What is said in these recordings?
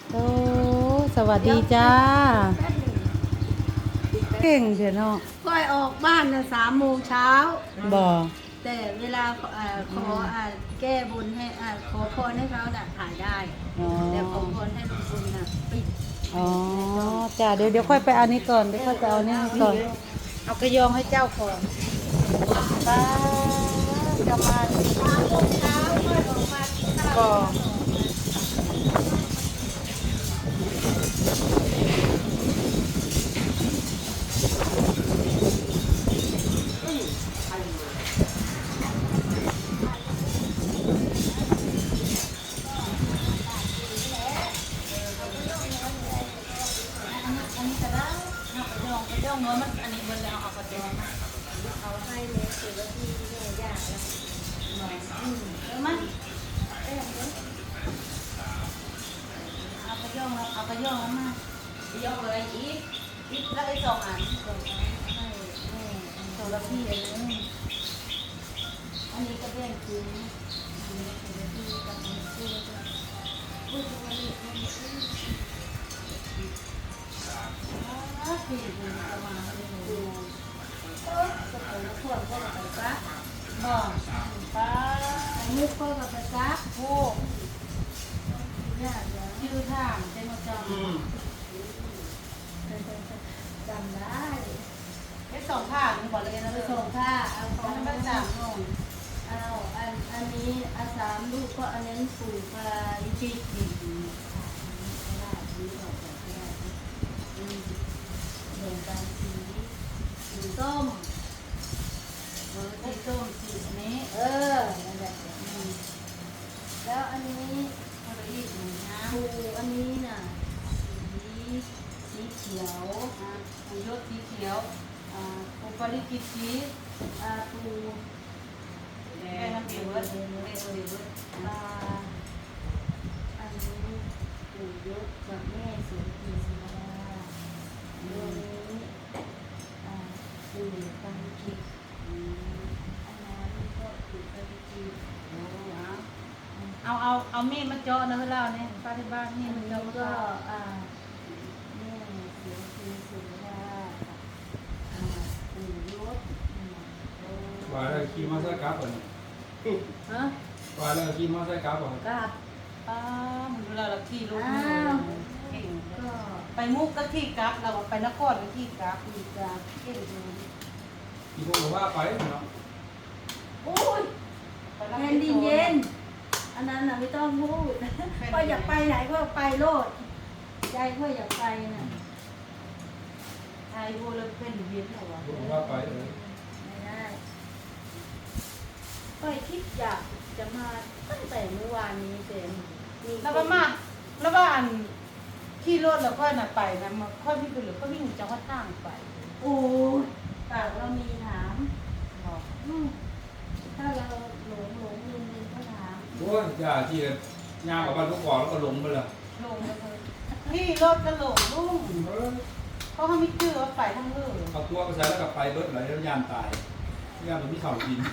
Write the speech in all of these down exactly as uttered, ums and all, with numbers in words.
โอ้สวัสดีจ้าเก่งเถอะเนาะค่อยออกบ้านนะสามโมงเช้าบ่แต่เวลาเอ่อขออ่าแก้บุญให้อ่าขอพรให้เขาน่ะถ่ายได้แต่ขอพรให้ลุงพลน่ะปิดอ๋อจ้าเดี๋ยวเดี๋ยวค่อยไปเอานี้ก่อนเดี๋ยวค่อยไปเอานี้ก่อนเอากระยองให้เจ้าก่อนป้าจะมาสามโมงเช้าค่อยออกมากินข้าวบ่กระยองน้อยมันอันนี้เบิ่งแล้วเอากระยองเอาให้เมสถือว่าที่แม่ยากแล้วอืมเออมันเอากระยองเอากระยองแล้วมากระยองเลยอีกอีกแล้วไอ้สองอันสองอันให้แม่สองละพี่เองอันนี้ก็แบ่งคืนอันนี้สองละพี่กับอันนี้คู่แล้วก็พูดตรงนี้ตรงนี้อ่าพี่ดูจะมาเลยดูก็จะไปขวดก็จะไปซักบ่ป้าไอ้มุกก็จะไปซักโอ้ยากเลยชื่อทางเต็มจำจำได้ไอ้สองท่ามึงบอกเลยนะสองท่าเอาของน้ำสามลงเอาอันอันนี้อาสามลูกก็อันนี้ปลูกปลาอีจีดีได้ดีออกจากได้เดินตามสีสีส้มเออสีส้มสีนี้เออนั่นแหละแล้วอันนี้อะไรอีกนะปูอันนี้น่ะสีสีเขียวอ่ะปูยศสีเขียวอ่าปูปาริกิตสีอ่าปูแดงน้ำเดือดเดือดเดือดเดือดอ่าอันนี้ปูยศกับแม่สีสีสีดาเรื่องนี้อ่าปูปาริกิตอันนั้นก็ปูปาริกิตโอ้เอาเอาเอามีดมาเจาะนะเล่าเนี่ยป้าที่บ้านนี่มันเจาะก็อ่าแม่เสียสีสีดาอ่าปูยศว่าแล้วขี่มอเตอร์ไซค์กลับอ่ะฮะว่าแล้วขี่มอเตอร์ไซค์กลับอ่ะกลับป้ามันเวลาเราขี่รถเก่งก็ไปมุกก็ขี่กลับเราไปนครก็ขี่กลับขี่กลับเก่งเลยขี่พวกเราว่าไปเนาะโอ้ยแผ่นดินเย็นอันนั้นน่ะไม่ต้องพูดก็อยากไปไหนก็ไปโลดใจก็อยากไปน่ะไอ้พวกเราเป็นเวียนเหรอวะพวกเราว่าไปเลยไม่ได้ก็คิดอยากจะมาตั้งแต่เมื่อวานนี้เต็มแล้วก็มาแล้วว่าอันขี่รถแล้วค่อยน่ะไปนะมาค่อยวิ่งไปหรือก็วิ่งจังหวัดทางไปโอ้ปากเรามีถามบอกถ้าเราหลงหลงลืมลืมก็ถามโอ้ยอย่าที่ย่างกับบ้านลูกก่อนแล้วก็หลงไปเลยลงเลยขี่รถก็หลงลุงเขาเขาไม่เชื่อว่าไปทั้งเรื่องเอาตัวไปใส่แล้วกับไปเบิร์ดไหลแล้วยานตายยานมันไม่เข่ากิน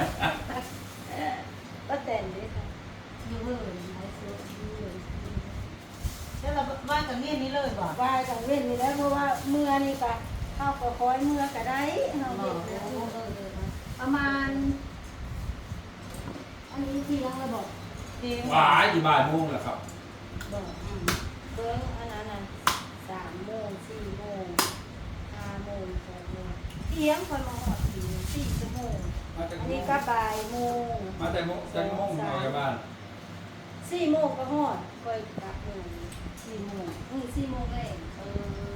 ก็แต่งด้วยค่ะยูเวอร์ไอซ์ยูเวอร์แล้วเราบ้านกับเมียนี้เลยบ่ว่าจังเว้นนี่แล้วเพราะว่าเมื่อนี่ก็เข้าก็คอยเมื่อก็ได้เราเห็นประมาณอันนี้ที่ยังระบอกหวายอยู่บ่ายโมงแหละครับบอกเบิ้งอันนั้นน่ะสามโมงสี่โมงห้าโมงหกโมงเที่ยงคอยมาหอดสี่สี่ชั่วโมงอันนี้ก็บ่ายโมงมาแต่โมงแต่โมงมาจากบ้านสี่โมงก็หอดคอยกลับโมงสี่โมงอือสี่โมงเองเออ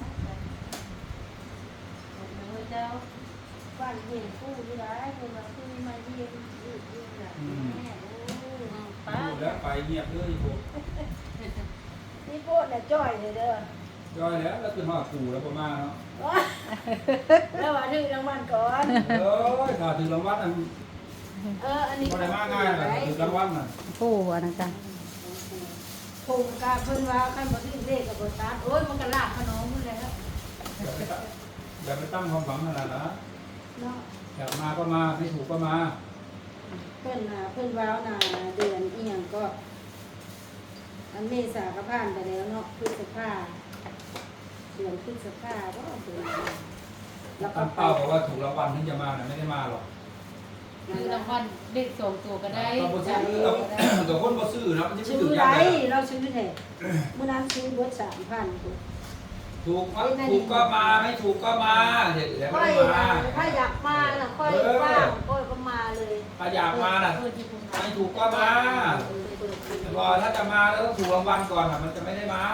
เจ้าบ้านเห็นผู้ที่ร้ายคนมาผู้มาเยี่ยมยืดยืดแบบแม่โอ้ป้าแล้วไปเงียบเลยพวกนี่โป๊ะเนี่ยจ้อยเลยเด้อจ้อยแล้วแล้วคือหอดปู่แล้วประมาณเนาะแล้วว่าถึงรางวัลก่อนเออถ้าถึงรางวัลนั่นเอออันนี้ก็ได้มากง่ายเลยถึงรางวัลน่ะผู้อันนั้นกันผงกาเพิ่นว่าขั้นบ่ถึงเลขกับบตัดโอ้ยมันก็ลากขนมมันแล้วอย่าไปตั้งความหวังขนาดนั้นอยากมาก็มาไม่ถูกก็มาเพิ่นน่ะเพิ่นว้าวน่ะเดือนอีหยังก็อันเมษาก็ผ่านไปแล้วเนาะพฤษภาเดือนพฤษภาก็เดือนแล้วก็ตั้งเป้าบอกว่าถูกรางวัลถึงจะมาน่ะไม่ได้มาหรอกคือรางวัลเด็กสองตัวก็ได้เราบ่ซื้อเราแต่คนบ่ซื้อนะมันจะไม่ซื้ถึอง ไรยังไงเราซื้อแท้เมื่อนั้นซื้อเบิดสามพันตัวถูกมั้ยถูกก็มาไม่ถูกก็มาเดี๋ยวเดี๋ยวค่ไม่อยมาถ้าอยากมาน่ะค่อยว่างค่อยก็มาเลยถ้าอยากมาน่ะเออที่คุณไม่ถูกก็มาแต่พอถ้าจะมาแล้วต้องถูกรางวัลก่อนน่ะมันจะไม่ได้มา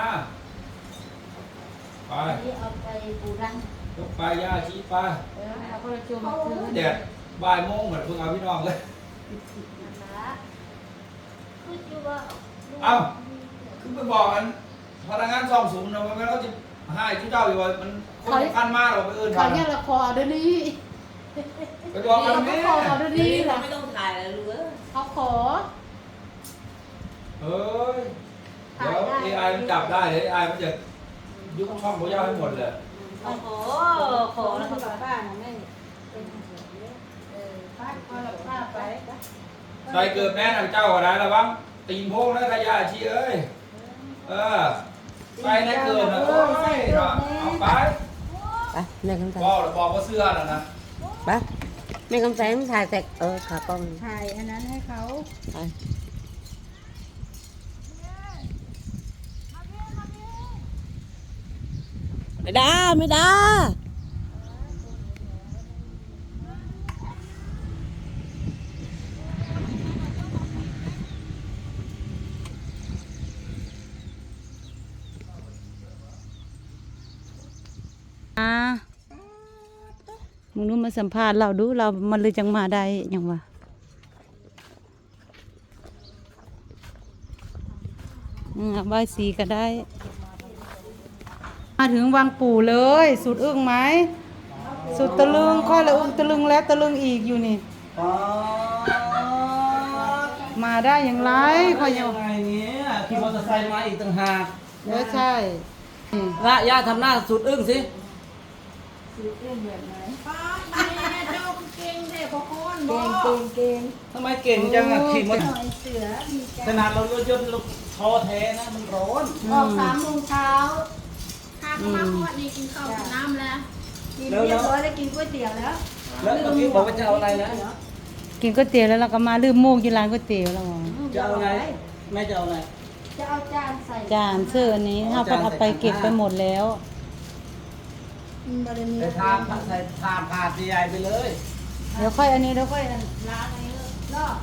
ไปอันนี้เอาไปปูรังยกไปย่าชี้ไปเออเอาคนละจุ่มมาคืนแดดบ่ายโมงเหมือนเพิ่งเอาพี่น้องเลยนะคะคืออยู่ว่าเอ้าคือไปบอกกันพนักงานซ่อมสูงนะมันก็จะให้ชุดเจ้าอยู่ว่ามันคนสำคัญมากหรอกไปเอื่นเขาเนี่ยละครเดี๋ยวนี้ไปบอกกันเขาแม่ขอเดี๋ยวนี้แหละไม่ต้องถ่ายแล้วรู้เออเขาขอเฮ้ยเดี๋ยว เอ ไอ มันจับได้เดี๋ยว เอ ไอ มันจะยุบช่องเขาย่าให้หมดเลยโอ้โหขอแล้วก็กลับบ้านนะแม่เป็นเออบ้านก็รับผ้าไปใส่เกิดแม่นางเจ้าอะไรระวังตีนโพงแล้วขยะชี้เอ้ยเออไปในเกิดนะโอ้ยเอาไปไปแม่คำแสงบอกบอกว่าเสื้อน่ะนะไปแม่คำแสงถ่ายแต่เออขากล้องถ่ายอันนั้นให้เขาไป ไม่ได้ไม่ได้อ่ามึงรู้มาสัมภาษณ์เราดูเรามันเลยจังมาได้ยังวะอืมใบายสีก็ได้ มาถึงวังปู่เลย สุดอึ้งไหม สุดตะลึงค่อยละอึ้งตะลึงแล้วตะลึงอีกอยู่นี่อ๋อมาได้อย่างไรค่อยยังไงเนี่ยขี่มอเตอร์ไซค์มาอีกต่างหากเออใช่ละย่าทำหน้าสุดอึ้งสิซื้อเรื่องแบบไหนเจ้าเก่งเด็กพอคนเก่งเก่งเก่งทำไมเก่งจังอะขี่มอเตอร์หน่อยเสือดีใจขนาดเรารถยนต์เราท้อแท้นะมันร้อนออกสามโมงเช้าข้าก็มาพอดีกินข้าวกินน้ำแล้วกินเรียบร้อยแล้วกินก๋วยเตี๋ยวแล้วแล้วเมื่อกี้บอกว่าจะเอาอะไรนะกินก๋วยเตี๋ยวแล้วเราก็มาลืมมูกกินร้านก๋วยเตี๋ยวแล้วจะเอาอะไรแม่จะเอาอะไรจะเอาจานใส่จานเสื้ออันนี้ถ้าพัดเอาไปเก็บไปหมดแล้วบารมีใส่ทามใส่ทามขาดใหญ่ไปเลยเดี๋ยวค่อยอันนี้เดี๋ยวค่อยล้างอันนี้เนาะ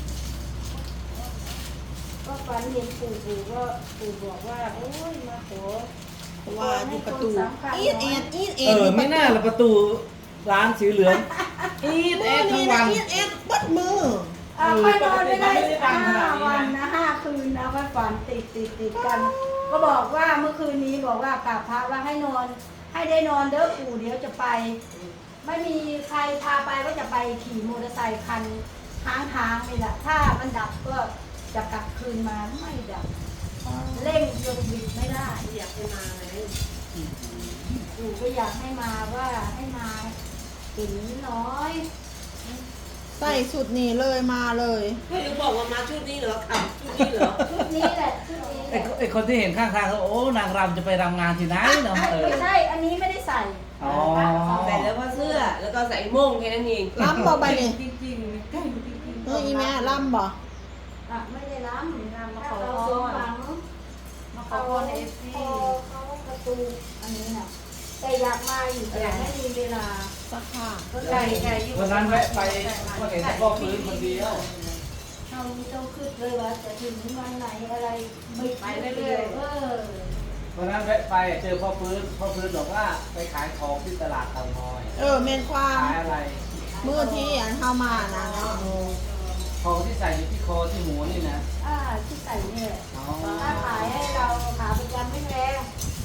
ก็ฝันเห็นปู่ปู่ก็ปู่บอกว่าโอ้ยมาขอว่าอยู่ประตูอีดเอ็ดอีดเอเอ็ดอไม่น่าละประตูร้านสีเหลืองอีดแอดทั้งวันอีดเอ็ดบัดมืออ่าค่อยนอนไม่ได้ห้าวันนะห้าคืนนะค่อยฝันติดติดติดกัน ก็บอกว่าเมื่อคืนนี้บอกว่ากราบพระว่าให้นอน ให้ได้นอนเด้อปู่เดี๋ยวจะไป ไม่มีใครพาไปก็จะไปขี่มอเตอร์ไซค์คันทางทางนี่แหละถ้ามันดับก็จะกลับคืนมาไม่ดับเร่งจนบิดไม่ได้อยากให้มาไหมปู่ก็อยากให้มาว่าให้มาเห็นน้อยใส่สุดนี้เลยมาเลยก็ยังบอกว่ามาชุดนี้เหรอขับชุดนี้เหรอชุดนี้แหละชุดนี้แหไอ้ละไอ้คนที่เห็นข้างทางเขาโอ้นางรำจะไปรำงานที่ไหนเนาะเออไม่ใช่ อันนี้ไม่ได้ใส่อ๋อใส่แล้วว่าเสื้อ แล้วก็ใส่โม่งแค่นั้นเองล้ำบ่ไปนี่จริงๆใกล้จริงๆเอออีแม่ล้ำบ่อ่ะไม่ได้ล้ำงานมาถ้าขอเราพสมรหวังมาขอเขาพรเอฟซีเขาประตูอันนี้น่ะแต่อยากมาอยู่แต่ไม่มีเวลาสักผ้าก็เลไก่ยไก่อยู่วันนั้นแวะไปก็เห็นแต่พ่อฟื้นคนเดียวเราต้องคิดเลยว่าจะถึงวันไหนอะไรไม่ไปเรื่อยๆเออวันนั้นแวะไปเจอพ่อฟื้นพ่อฟื้นบอกว่าไปขายของที่ตลาดเตางอยเออเมนความขายอะไรมือที่อันเข้ามานะเนาะของที่ใส่อยู่ที่คอที่หมูนี่นะอ่าที่ใส่เนี่ยอ๋อถ้าขายให้เราขาประจำไม่แพง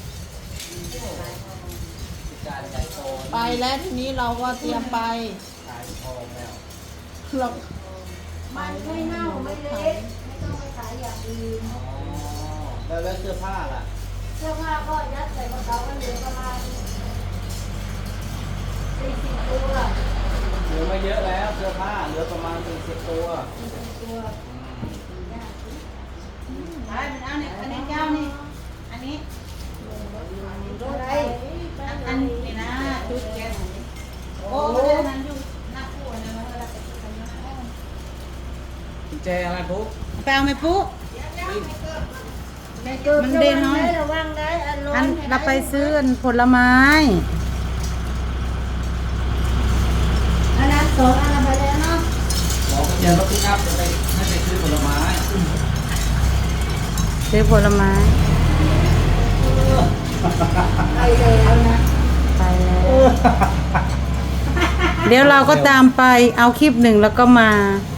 การใหญ่โตไปแล้วทีนี้เราก็เตรียมไปขายทองแล้วเรามันไม่เน่าไม่เละไม่ต้องไปขายอย่างอื่นอ๋อแล้วแล้วเสื้อผ้าล่ะเสื้อผ้าก็ยัดใส่กระเป๋ากันเหลือประมาณสี่สิบตัวเหลือไม่เยอะแล้วเสื้อผ้าเหลือประมาณสี่สิบตัวสี่สิบตัวไปไปมันเอาเนี่ยอันนี้เจ้านี่อันนี้อะไรอันนี้นะจุดแก๊สโอ้ไม่ได้นั้นอยู่หน้าคู่นะเราเราไปจุดกันนะกุญแจอะไรปุ๊บไปเอาไหมปุ๊ไม่เกิดมันเด่นน้อยระวังได้อันร้ออันนเราไปซื้ออันผลไม้อันนั้นสองอันไปแล้วเนาะบอกเรียนรถพิกับจะไปให้ไปซื้อผลไม้ซื้อผลไม้ไปแล้วนะไปแล้ว เดี๋ยวเราก็ตามไปเอาคลิปหนึ่งแล้วก็มาเ